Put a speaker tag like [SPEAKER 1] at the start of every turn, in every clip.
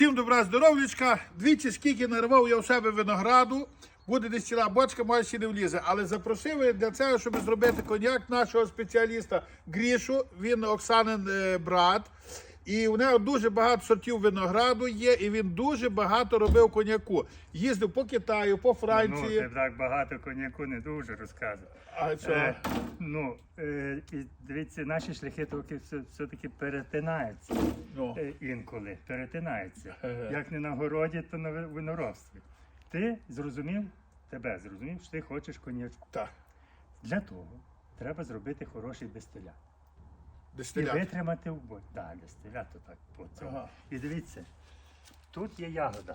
[SPEAKER 1] Всім добра здоров'ячка. Двічі скільки нарвав я у себе винограду. Буде десь ціла бочка, може ще не влізе. Але запросив я для цього, щоб зробити коньяк нашого спеціаліста Грішу. Він Оксанин брат. І у нього дуже багато сортів винограду є, і він дуже багато робив коньяку. Їздив по Китаю, по Франції.
[SPEAKER 2] Ну, ти так багато коньяку не дуже розказував.
[SPEAKER 1] А що?
[SPEAKER 2] І дивіться, наші шляхи все-таки перетинаються.
[SPEAKER 1] Ну.
[SPEAKER 2] Інколи перетинаються. Як не на городі, то на виноробстві. Ти зрозумів, що ти хочеш коньячку.
[SPEAKER 1] Так.
[SPEAKER 2] Для того треба зробити хороший дистилят. І
[SPEAKER 1] Дистилят.
[SPEAKER 2] витримати в бой. Так, дистилят, то так по цьому.
[SPEAKER 1] Ага.
[SPEAKER 2] І дивіться, тут є ягода.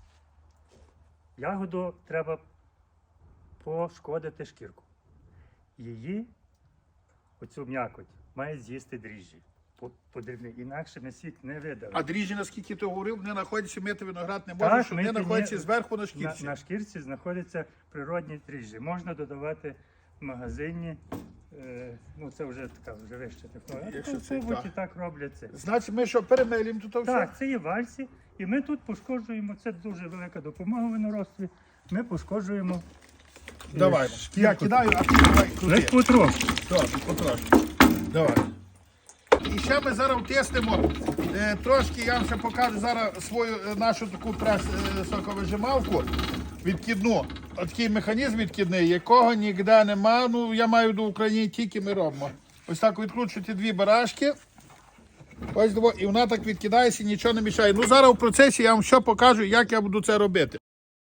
[SPEAKER 2] Ягоду треба пошкодити шкірку. Її, оцю м'якоть, має з'їсти дріжджі. Подрібні. Інакше ми сік не видали.
[SPEAKER 1] А дріжджі, наскільки ти говорив, вони знаходяться, мити виноград не можна, що вони знаходяться зверху на шкірці.
[SPEAKER 2] На шкірці знаходяться природні дріжджі. Можна додавати в магазині. Це вже така вища технологія.
[SPEAKER 1] Якщо це
[SPEAKER 2] І так роблять це.
[SPEAKER 1] Значить, ми що, перемелюємо тут все?
[SPEAKER 2] Так, це є вальсі. І ми тут пошкоджуємо, це дуже велика допомога в виноробстві. Ми пошкоджуємо.
[SPEAKER 1] Давай.
[SPEAKER 2] шкірку.
[SPEAKER 1] Я кидаю, а ти давай
[SPEAKER 2] Лиш
[SPEAKER 1] крути.
[SPEAKER 2] потрошки.
[SPEAKER 1] Добре, потрошки. Давай. І ще ми зараз тестимо. Трошки я вам ще покажу зараз свою нашу таку соковижималку відкидну. Такий механізм відкидний, якого ніде нема. Ну, я маю до України, тільки ми робимо. Ось так відкручуєте дві барашки. Ось диво, і вона так відкидається, нічого не мішає. Ну, зараз в процесі я вам що покажу, як я буду це робити.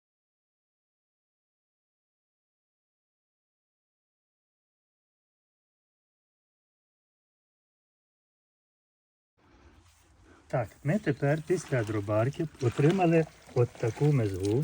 [SPEAKER 2] Так, ми тепер після дробарки отримали от таку мезгу.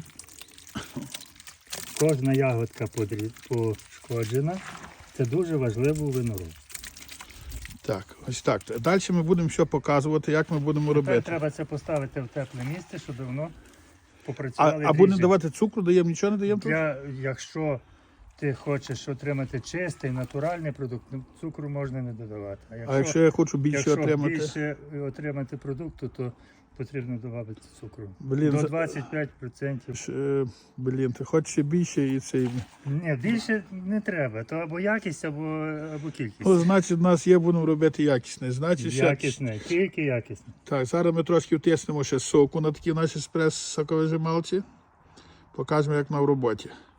[SPEAKER 2] Кожна ягодка пошкоджена. Це дуже важливо у виноробстві.
[SPEAKER 1] Так, ось так. Далі ми будемо що показувати, як ми будемо
[SPEAKER 2] Тепер
[SPEAKER 1] робити.
[SPEAKER 2] треба це поставити в тепле місце, щоб воно попрацювало.
[SPEAKER 1] А будемо давати цукру, даємо, нічого не даємо тут?
[SPEAKER 2] Якщо ти хочеш отримати чистий, натуральний продукт, цукру можна не додавати.
[SPEAKER 1] А якщо я хочу більше отримати?
[SPEAKER 2] Більше отримати продукту, то потрібно додати цукру.
[SPEAKER 1] Блін,
[SPEAKER 2] До 25%.
[SPEAKER 1] Блін, ти хочеш ще більше і цей.
[SPEAKER 2] Ні, більше не треба. То або якість, або кількість.
[SPEAKER 1] Ну, значить, в нас є, будемо робити якісне. Значить, ще...
[SPEAKER 2] Якісне, тільки якісне.
[SPEAKER 1] Так, зараз ми трошки втиснемо ще соку на такій нашій соковижималці. Покажемо, як на в роботі.